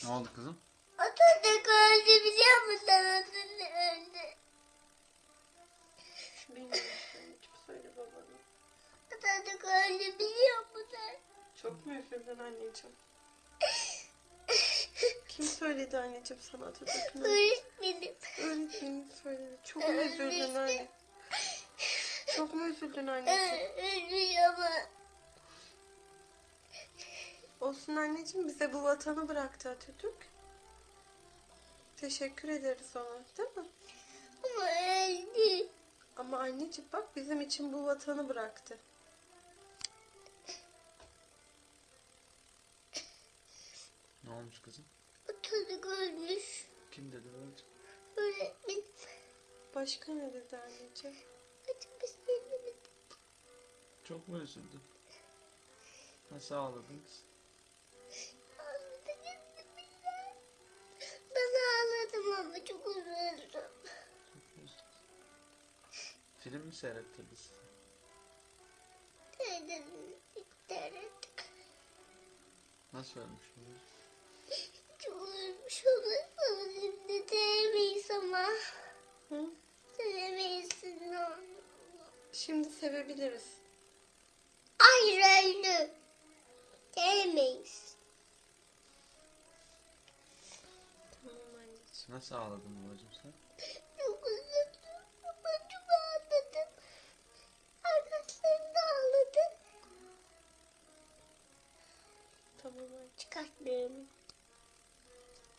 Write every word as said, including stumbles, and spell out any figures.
Ne oldu kızım? Atatürk öldü biliyor musun? Atatürk öldü. Bilmiyorum. Kim söyle babana? Atatürk öldü biliyor musun? Çok mu üzüldün anneciğim? Kim söyledi anneciğim sana Atatürk'ün öldüğünü? Öğretmenim. Öğretmenim söyledi. Çok mu üzüldün anne? Çok mu üzüldün anneciğim? Öldü ama. Olsun anneciğim, bize bu vatanı bıraktı Atatürk. Teşekkür ederiz ona, değil mi? Ama öldü. Ama anneciğim bak, bizim için bu vatanı bıraktı. Ne olmuş kızım? Atatürk ölmüş. Kim dedi öldü? Öğretmenim. Başka ne dedi anneciğim? Açık bir şey demedim. Çok mu üzüldün? Nasıl ağladınız? Ben ağladım ama çok üzüldüm. Çok mu üzüldün? Film mi seyrettirdi size? Dedim. İttirettik. Nasıl ölmüş bu? Çok üzülmüş olur. Şimdi diyemeyiz ama. Hı? Diyemeyiz. Şimdi sevebiliriz. Hayır öldü. Diyemeyiz. Tamam anneciğim. Nasıl ağladın babacığım sen?